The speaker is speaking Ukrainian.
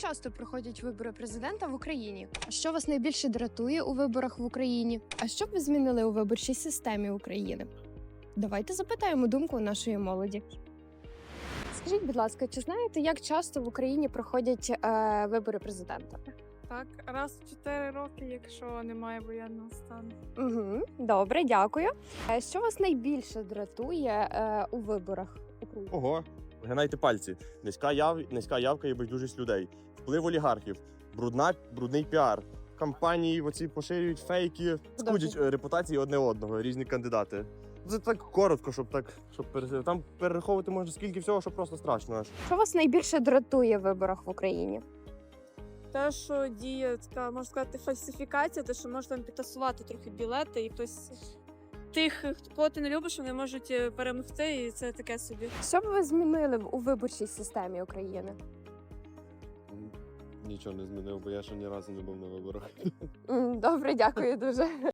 часто проходять вибори президента в Україні? А що вас найбільше дратує у виборах в Україні? А що б ви змінили у виборчій системі України? Давайте запитаємо думку нашої молоді. Скажіть, будь ласка, чи знаєте, як часто в Україні проходять вибори президента? Так, раз в 4 роки, якщо немає воєнного стану. Угу, добре, дякую. Що вас найбільше дратує у виборах України? Ого, гинайте пальці. Низька явка і байдужість людей. Вплив олігархів, брудний піар. Кампанії оці поширюють фейки, скудять репутації одне одного, різні кандидати. Це так коротко, щоб там перераховувати можна скільки всього, що просто страшно аж. Що вас найбільше дратує в виборах в Україні? Те, що діє така, можна сказати, фальсифікація, те, що можна там підтасувати трохи білети, і хтось тих, кого ти не любиш, вони можуть перемогти, і це таке собі. Що б ви змінили у виборчій системі України? Нічого не змінив, бо я ще ні разу не був на виборах. Добре, дякую дуже.